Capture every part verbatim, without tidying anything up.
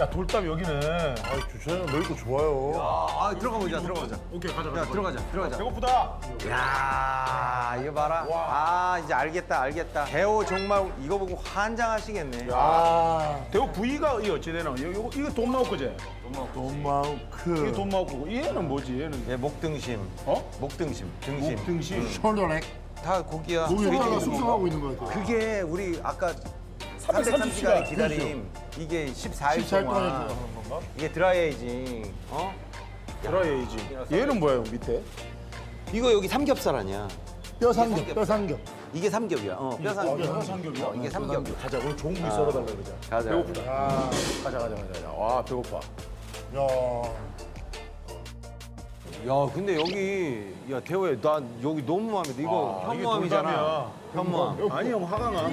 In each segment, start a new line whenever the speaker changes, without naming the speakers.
야, 돌담 여기는.
아, 주차장 넓고 좋아요.
아, 들어가 보자, 들어가 보자.
오케이, 가자, 가자.
야, 들어가자, 들어가자.
배고프다.
야, 이거 봐라. 아, 이제 알겠다, 알겠다. 대호 정말 이거 보고 환장하시겠네.
아,
대호 부위가 이 어찌 되나? 이거, 이거, 이거 돈마우 거지?
돈마우크.
이게 돈마우 거고. 얘는 뭐지? 얘는.
얘 목등심.
어?
목등심, 등심.
등심.
숄더렉.
다 고기야.
고기
우리
하나
지금
숙성하고 있는 것 같아요.
그게 우리 아까
삼백삼십
삼백삼십 시간의
시간.
기다림. 이게 십사 일
십사 일 동안
동안.
하는 건가?
이게 드라이에이징. 어?
드라이에이지. 얘는 뭐예요, 밑에?
이거 여기 삼겹살 아니야.
뼈 삼겹, 뼈 삼겹.
이게 삼겹이야. 어, 뼈 삼겹.
뼈 삼겹이야?
어, 이게 삼겹.
가자, 오늘 좋은 부위 썰어달라 그러자.
가자.
배고프다. 아, 가자, 가자, 가자. 가자. 와, 배고파.
야,
야, 근데 여기 야 대호야, 나 여기 너무 마음에 들어. 이거
아, 이게
현무암이잖아.
돌담이야.
현무암.
아니, 형, 화가 나.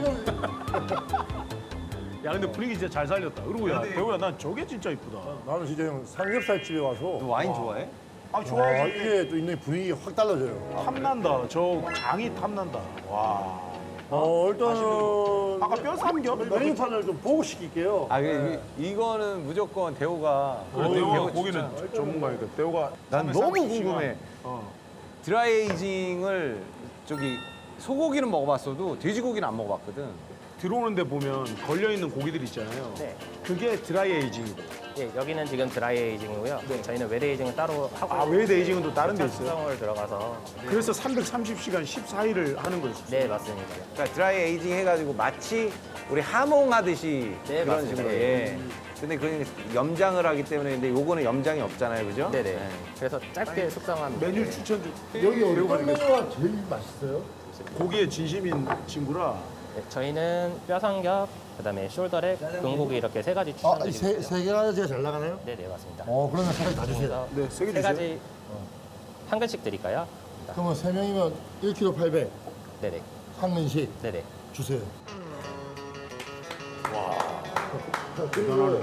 야, 근데 분위기 진짜 잘 살렸다. 그리고 야, 대호야, 난 저게 진짜 이쁘다.
나는 진짜 형 삼겹살 집에
너
와서
와인 좋아해?
아,
와,
좋아하지.
이게 또 있는 분위기 확 달라져요.
탐난다. 저 장이 탐난다. 와.
어, 일단은
아까 뼈 삼겹?
메뉴판을 좀 보고 시킬게요.
아, 이, 이거는 무조건 대호가.
그래,
어,
대호가
대호
고기는
진짜.
전문가니까. 대호가.
난 너무 궁금해.
어.
드라이에이징을 저기 소고기는 먹어봤어도 돼지고기는 안 먹어봤거든.
들어오는데 보면 걸려있는 고기들 있잖아요.
네.
그게 드라이 에이징이고.
예, 여기는 지금 드라이 에이징이고요. 저희는 웨드 에이징은 따로 하고
아, 웨드 에이징은 또 다른 데 있어요?
숙성을 들어가서
그래서 삼백삼십 시간 십사 일을 하는 거였어요.
네, 맞습니다.
그러니까 드라이에이징 해가지고 마치 우리 하몽하듯이
네,
그런
맞습니다.
식으로. 예. 근데 그 염장을 하기 때문에 근데 요거는 염장이 없잖아요, 그죠?
네, 네. 그래서 짧게 숙성한
메뉴 추천 좀.
여기 어떤 메뉴가 제일 맛있어요?
고기에 진심인 친구라.
네, 저희는 뼈삼겹, 그다음에 숄더렉, 등고기 이렇게 세 가지
아, 이
추천드리고
세, 세 개가 제가 잘 나가나요?
네, 네, 맞습니다.
어, 그러면 세 가지 다 주세요.
그래서
네, 세개
세
주세요.
가지 한 근씩 드릴까요?
그러면 세 명이면 일 킬로그램 팔백,
네, 네.
한 근씩
네, 네.
주세요.
대단하네.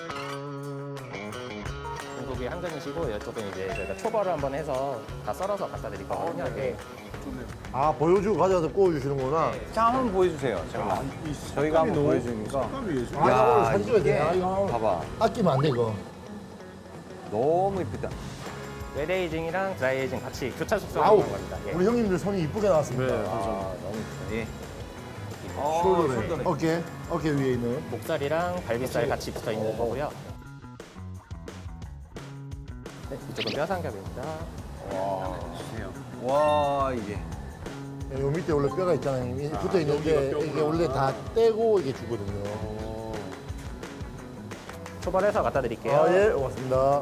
등고기 한 근이시고 이쪽은 이제 저희가 초벌을 한번 해서 다 썰어서 갖다 드릴 거거든요. 네.
아, 보여주고 가져와서 구워주시는구나.
자, 한번 보여주세요. 잠깐만. 저희가 한번 보여주니까.
색감이 예술.
아, 이거 오늘 사진 찍어야 돼.
이게
아, 이거
봐봐.
아끼면 안 돼, 이거.
너무 이쁘다.
웨드 에이징이랑 드라이 에이징 같이 교차 숙성을
아우,
하는 겁니다. 예.
우리 형님들 손이 이쁘게 나왔습니다.
네,
아, 너무 이쁘다. 예. 어,
숄더네.
숄더네.
어깨, 어깨 위에 있는.
목살이랑 갈비살 같이 붙어 있는 거고요. 네, 이쪽은 뼈삼겹입니다.
와, 이게.
네, 요 밑에 원래 뼈가 있잖아요. 형님. 붙어 있는데 이게 원래 다 떼고 이게 주거든요.
초벌해서 갖다 드릴게요.
아, 예, 고맙습니다.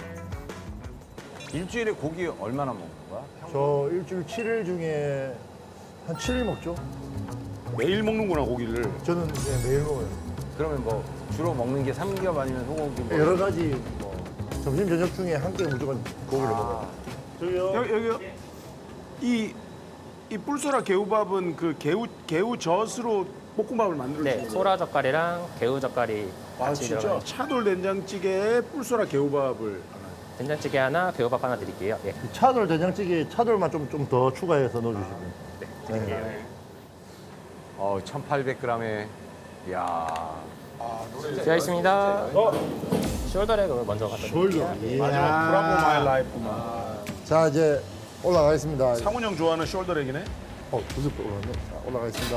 일주일에 고기 얼마나 먹는 거야?
저 일주일 칠 일 중에 한 칠 일 먹죠.
매일 먹는구나, 고기를.
저는 네, 매일 먹어요.
그러면 뭐 주로 먹는 게 삼겹 아니면 소고기 뭐
여러 가지 뭐 점심 저녁 중에 한 끼 무조건 고기를 먹어요. 저기요.
여기, 여기, 이, 이 뿔소라 개우밥은 그 개우, 개우젓으로 볶음밥을 만들어주는
네,
거예요?
소라 젓갈이랑 개우 젓갈이
아,
같이
진짜?
들어가요.
차돌 된장찌개에 뿔소라 개우밥을.
된장찌개 하나, 개우밥 하나 드릴게요. 예,
차돌 된장찌개 차돌만 좀 좀 더 추가해서 넣어주시면.
네, 드릴게요.
어, 천팔백 그램에 야.
되어 있습니다.
어?
숄더렉을 먼저 갖다 드릴게요.
숄더.
마지막 브라보 마이 라이프만.
자, 이제 올라가겠습니다.
상훈 형 좋아하는 숄더렉이네?
어, 두습 올라갔네. 자, 올라가겠습니다.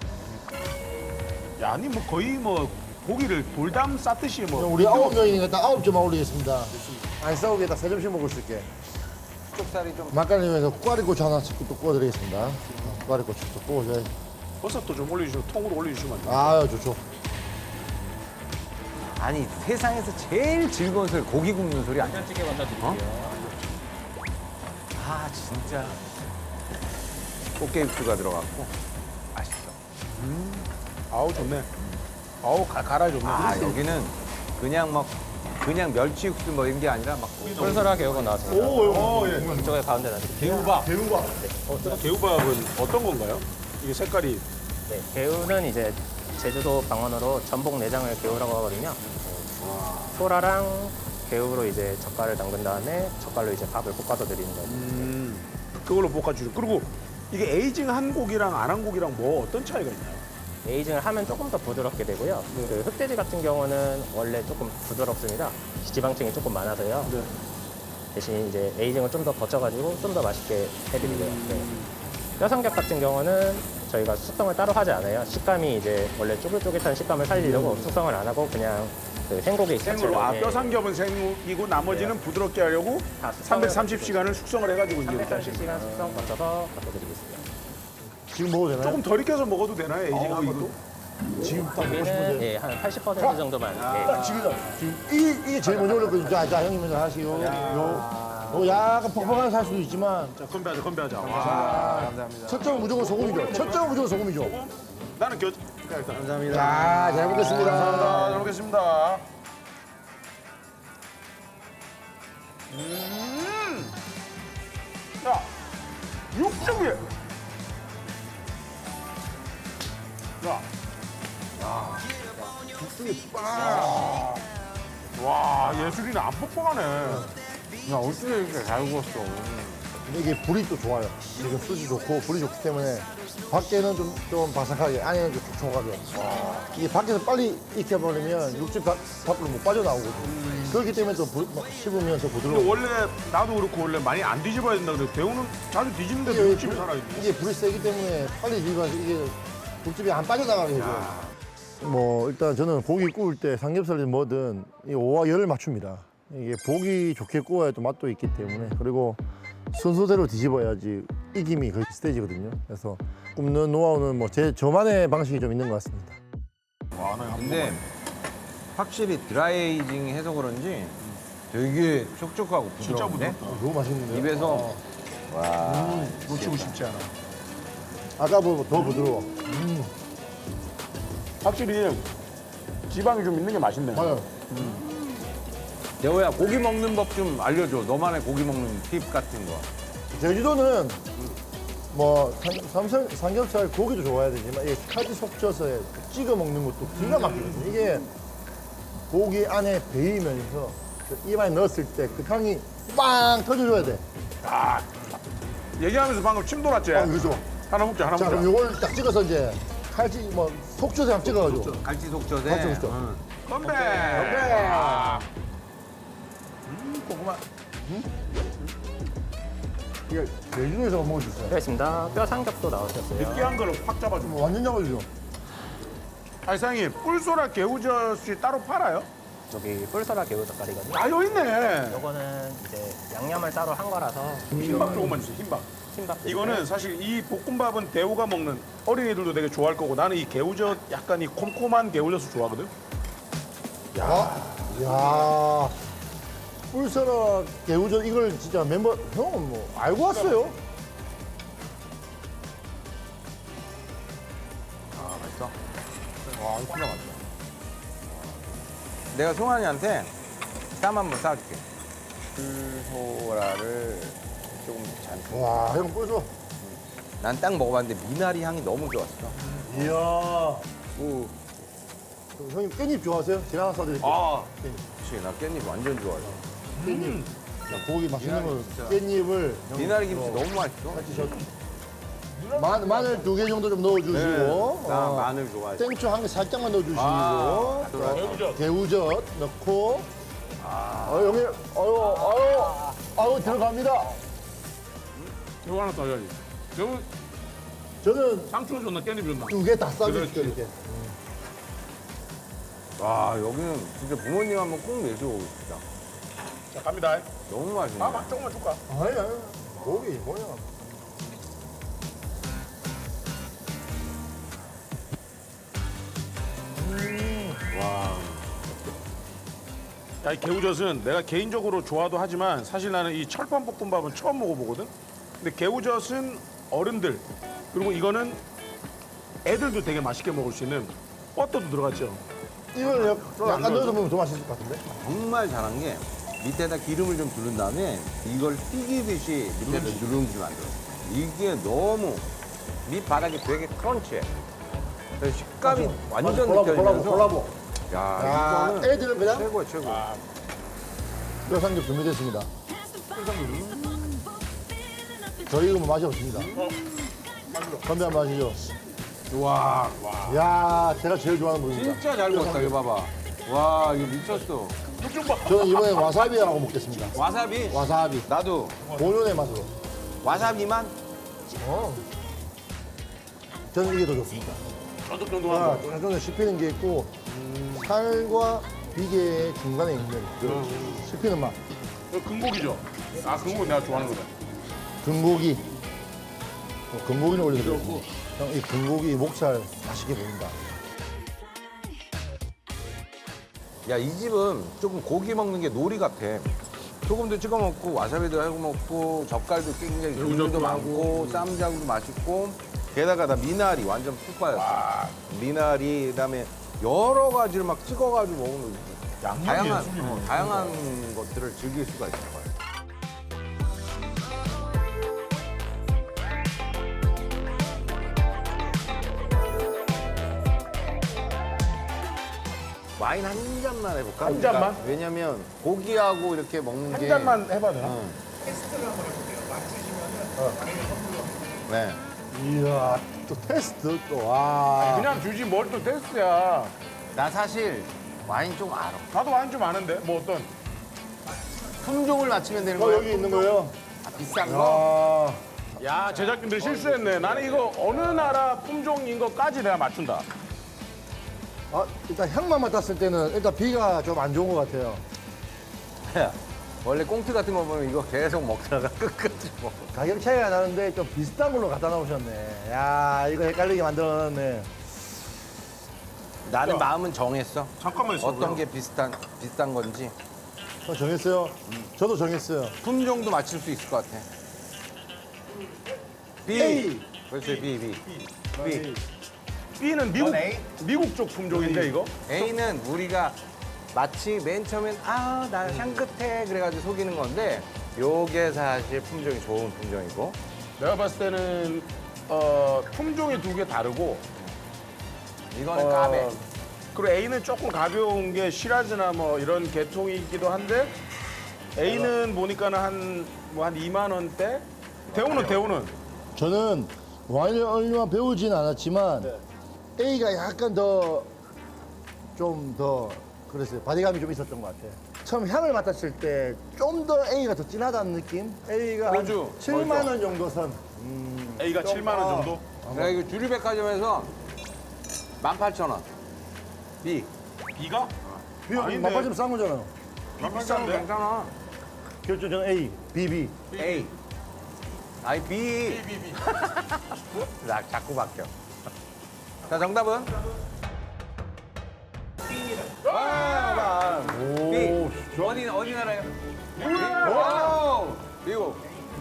야, 아니 뭐 거의 뭐 고기를 돌담 싸듯이 뭐.
우리 아홉 명이니까 딱 아홉 점만 올리겠습니다. 안 싸우게 딱 세 점씩 먹을 수 있게.
쪽살이 좀
막간님에서 꽈리고추 하나씩 또 구워드리겠습니다. 꽈리고추 또 구워줘야지.
버섯도 좀 올려주시고 통으로 올려주시면 안 돼요?
아유, 좋죠.
아니 세상에서 제일 즐거운 소리 고기 굽는 소리 아니야?
된장찌개 먼저 드릴게요.
아 진짜 꽃게육수가 들어갔고 맛있어.
아우 좋네. 아우 가, 갈아 좋네.
아 여기는 그냥 막 그냥 멸치 육수 뭐 이런 게 아니라 막
뿔소라 개우가 나왔습니다.
오, 예.
이쪽에 가운데 놔드릴게요.
개우밥. 개우밥. 어, 개우밥은 어떤 건가요? 이게 색깔이.
네, 개우는 이제 제주도 방언으로 전복 내장을 개우라고 하거든요. 소라랑 개우로 이제 젓갈을 담근 다음에 젓갈로 이제 밥을 볶아서 드리는 거예요.
음, 그걸로 볶아주죠. 그리고 이게 에이징 한 고기랑 안 한 고기랑 뭐 어떤 차이가 있나요?
에이징을 하면 조금 더 부드럽게 되고요. 그 흑돼지 같은 경우는 원래 조금 부드럽습니다. 지방층이 조금 많아서요.
네.
대신 이제 에이징을 좀 더 거쳐가지고 좀 더 맛있게 해드리고요. 네. 뼈삼겹 같은 경우는 저희가 숙성을 따로 하지 않아요. 식감이 이제 원래 쫄깃쫄깃한 식감을 살리려고 숙성을 안 하고 그냥 그 생고기
생으로 아 뼈삼겹은 생이고 나머지는 부드럽게 하려고
다 숙성을
삼백삼십 시간을 숙성을 해가지고 이제 이렇게
삼백삼십
하시는
시간
거예요.
숙성 거쳐서 바꿔드리고 있습니다.
지금 먹어도 되나요?
조금 덜 익혀서 먹어도 되나요? 에이징 한 것도?
지금 딱 먹고
여기는
싶은데.
예, 한 팔십 퍼센트 정도만. 예.
지금 지금 이 이게 제일 먼저 올렸거든요. 자, 자 형님 먼저 하시고. 요, 요 약간 퍽퍽한 살 수도 있지만
자 건배하자 건배하자. 와.
아, 감사합니다.
첫 점은 무조건 소금이죠. 첫 점은 무조건 소금이죠.
나는 겨. 자, 일단.
감사합니다.
자, 잘 먹겠습니다.
감사합니다. 잘 먹겠습니다. 음. 야, 육즙이. 야.
국수이 빵.
와, 예술이네. 안 뻑뻑하네.
야, 어떻게 이렇게 잘 구웠어?
근데 이게 불이 또 좋아요. 이게 숯이 좋고 불이 좋기 때문에 밖에는 좀, 좀 바삭하게 안에는 좀 촉촉하게. 이게 밖에서 빨리 익혀버리면 육즙 밖- 밖으로 못 빠져나오거든요. 그렇기 때문에 또 부, 막 씹으면서
근데
부드러워.
원래 나도 그렇고 원래 많이 안 뒤집어야 된다 그래. 대우는 자주 뒤집는데도
이게,
육즙이 살아있네.
이게 불이 세기 때문에 빨리 뒤집어서 이게 육즙이 안 빠져나가게 해줘요. 뭐 일단 저는 고기 구울 때 삼겹살이든 뭐든 이 오와 열을 맞춥니다. 이게 보기 좋게 구워야 또 맛도 있기 때문에 그리고 순서대로 뒤집어야지 익힘이 거의 비슷해지거든요. 그래서 굽는 노하우는 뭐 제 저만의 방식이 좀 있는 것 같습니다.
와, 나
근데 확실히 드라이에이징 해서 그런지 되게 촉촉하고
진짜
부드러운데?
부드럽다.
너무 맛있는데요?
입에서 와
놓치고 싶지 않아.
아까보다 더 부드러워.
확실히 지방이 좀 있는 게 맛있네.
맞아요.
대호야 고기 먹는 법 좀 알려줘. 너만의 고기 먹는 팁 같은 거.
제주도는 뭐 삼- 삼겹, 삼겹살 고기도 좋아야 되지만 이게 칼집 속져서 찍어 먹는 것도 기가 막히거든요. 이게 고기 안에 배이면서 그 입안에 넣었을 때 그 향이 빵 터져줘야 돼.
얘기하면서 방금 침 돌았지?
아, 그죠?
하나 먹자, 하나
자,
먹자.
그럼 요걸 딱 찍어서 이제 칼집 뭐 속젓에 한번 찍어가지고.
갈치 속젓에.
갈치 속젓.
응.
건배!
건배!
아. 음, 고구마.
이게 제주도에서 먹을 수 있어요.
되겠습니다. 뼈 삼겹도 나오셨어요.
느끼한 거를 확 잡아줘.
뭐 완전 잡아주죠.
아니, 사장님, 뿔소라 개우젓이 따로 팔아요?
여기 뿔소라 개우 젓갈이거든요.
아, 여기 있네.
요거는 이제 양념을 따로 한 거라서
흰밥 조금만 주세요, 흰밥.
흰밥
이거는 사실 이 볶음밥은 대우가 먹는 어린이들도 되게 좋아할 거고 나는 이 개우젓 약간 이 콤콤한 개우젓을 좋아하거든.
야 뿔소라 개우젓 이걸 진짜 멤버 형은 뭐 알고 왔어요?
아 맛있어.
와, 이거 진짜 맛있어.
내가 송환이한테 쌈 한번 싸줄게. 뿔소라를 조금 잔뜩.
와, 형 뿔소.
난 딱 먹어봤는데 미나리 향이 너무 좋았어.
이야.
오,
그럼 형님 깻잎 좋아하세요? 제가 하나 싸드릴게요.
아,
그치. 나 깻잎 완전 좋아해.
깻잎. 자, 고기 맛있는 걸
진짜.
깻잎을
미나리 김치 너무 맛있어.
같이 저 마, 마늘 두 개 정도 좀 넣어주시고
네, 나
어,
마늘 좋아해.
땡초 한 개 살짝만 넣어주시고
아,
자, 개우젓 넣고 어, 형님 아유 아유 아유 들어갑니다.
이거 하나 더 해야지. 여기
저는
상추 줬나 깻잎 줬나?
두 개 다 싸줄게요
그렇지.
이렇게.
와 여기는 진짜 부모님 한번 꼭 내주고 싶다.
자, 갑니다.
너무 맛있네.
아, 막 조금만 줄까?
아니 아니 고기 뭐야.
야, 이 개우젓은 내가 개인적으로 좋아도 하지만 사실 나는 이 철판 볶음밥은 처음 먹어보거든. 근데 개우젓은 어른들 그리고 이거는 애들도 되게 맛있게 먹을 수 있는 버터도 들어갔죠.
이걸 약-
안
약간
넣어줘?
넣어서 먹으면 더 맛있을 것 같은데?
정말 잘한 게 밑에다 기름을 좀 두른 다음에 이걸 튀기듯이 밑에다 누룽지 만들어. 이게 너무 밑바닥이 되게 크런치해. 그래서 식감이 완전
콜라보 콜라보
느껴지면서
콜라보.
야,
야
이거는
애들은 그냥
최고야 최고.
뼈삼겹 준비됐습니다. 저희 이거 뭐 맛이 없습니다. 건배 한번 하시죠.
와, 와.
야, 제가 제일 좋아하는 부분입니다.
진짜 잘 먹었다. 이거 봐봐. 와, 이거 미쳤어.
좀 봐.
저는 이번에 와사비하고 먹겠습니다.
와사비?
와사비.
나도
본연의 맛으로.
와사비만?
어. 저는 이게 더 좋습니다.
쫀득쫀득한
아,
거.
쫀쫀 씹히는 게 있고 살과 비계의 중간에 있는 그 씹히는 맛.
이거 금고기죠? 아, 금고기 내가 좋아하는 거다.
금고기. 어, 금고기는 올려드리고. 형, 이 금고기 목살 맛있게 보인다.
야, 이 집은 조금 고기 먹는 게 놀이 같아. 소금도 찍어 먹고 와사비도 하고 먹고 젓갈도 굉장히 종류도 많고 쌈장도 맛있고 게다가 나 미나리 완전 푹 빠졌어. 미나리 그다음에 여러 가지를 막 찍어가지고 먹는 거. 다양한 어, 다양한 것들을 즐길 수가 있을 거야. 와인 한 잔만 해볼까?
한 잔만?
왜냐면 고기하고 이렇게 먹는
한
게
잔만 해봐도 되나?
응. 네.
이야, 또 테스트 또, 와.
그냥 주지 뭘 또 테스트야.
나 사실 와인 좀 알아.
나도 와인 좀 아는데 뭐 어떤
품종을 맞추면 되는
어,
거야.
여기 있는 거예요?
아, 비싼 거?
아,
야 제작진들 실수했네. 나는 이거 어느 나라 품종인 것까지 내가 맞춘다.
아, 일단 향만 맡았을 때는 일단 비가 좀 안 좋은 것 같아요.
야, 원래 꽁트 같은 거 보면 이거 계속 먹다가 끝까지 먹어.
가격 차이가 나는데 좀 비슷한 걸로 갖다 놓으셨네. 야, 이거 헷갈리게 만들어놨네.
나는
야.
마음은 정했어.
잠깐만 있어.
어떤 게 비슷한 비슷한 건지
저 정했어요? 저도 정했어요.
품종도 맞출 수 있을 것 같아. B.
A.
그렇지 B B. B.
B는 미국
A?
미국 쪽 품종인데 이거?
A는 우리가 마치 맨 처음엔 아, 나 향긋해 그래가지고 속이는 건데 요게 사실 품종이 좋은 품종이고
내가 봤을 때는 어, 품종이 두 개 다르고
이거는
어,
까베.
그리고 A는 조금 가벼운 게 시라즈나 뭐 이런 계통이기도 한데 A는 보니까는 한 뭐 한 이만 원대. 대우는 대우는
저는 와인을 얼마 배우진 않았지만 A가 약간 더 좀 더 그랬어요. 바디감이 좀 있었던 것 같아요. 처음 향을 맡았을 때 좀 더 A가 더 진하다는 느낌? A가 한
로즈,
칠만 원 정도 선.
A가
좀,
칠만 원
아.
정도.
내가 이거 주류백화점에서 만 팔천 원. B.
B가?
비용
아닌데.
맛빠지면 싼 거잖아요.
비싼데?
괜찮아.
결정 저는 A, B, B.
A. 아이 B. 나 자꾸 바뀌어. 자 정답은? 아, B. 어디 어디 나라예요? 오, 미국.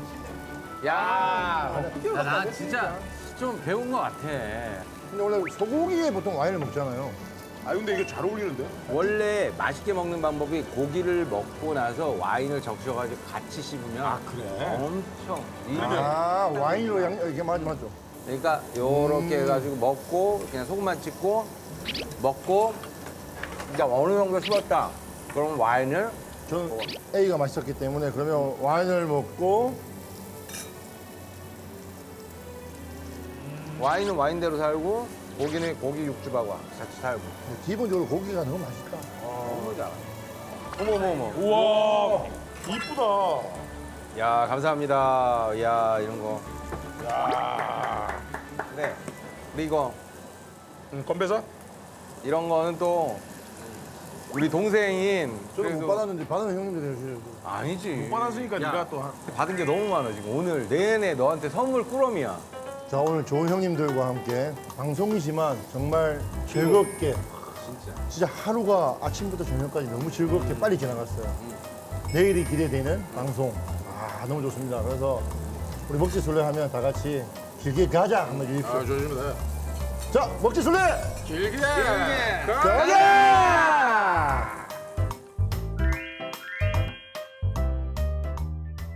야, 나, 나 진짜 좀 배운 것 같아.
근데 원래 소고기에 보통 와인을 먹잖아요.
아 근데 이게 잘 어울리는데?
원래 맛있게 먹는 방법이 고기를 먹고 나서 와인을 적셔가지고 같이 씹으면
아, 그래?
엄청 일명.
아, 와인으로 양, 이게 맞, 맞죠.
그러니까 요렇게 해가지고 먹고 그냥 소금만 찍고 먹고 이제 어느 정도 씹었다. 그럼 와인을
저는 A가 맛있었기 때문에 그러면 와인을 먹고
와인은 와인대로 살고 고기는 고기 육즙하고 같이 살고.
기본적으로 고기가 너무 맛있다.
너무 잘. 어머 어머 어머.
우와 이쁘다.
야 감사합니다. 야 이런 거.
야.
네. 근데 이거
음, 건배사?
이런 거는 또 우리 동생인
저는
그래도-
못 받았는데 받은 형님들이 해주셔야죠.
아니지.
못 받았으니까
야,
네가 또 한-
받은 게 너무 많아 지금 오늘 내내 너한테 선물 꾸러미야.
자, 오늘 좋은 형님들과 함께 방송이지만 정말 즐겁게
진짜.
진짜 하루가 아침부터 저녁까지 너무 즐겁게 빨리 지나갔어요. 내일이 기대되는 방송. 아, 너무 좋습니다. 그래서 우리 먹지술래 하면 다 같이 길게 가자 한번 해주십시오.
아 좋습니다.
자, 먹지술래!
길게.
길게.
가자!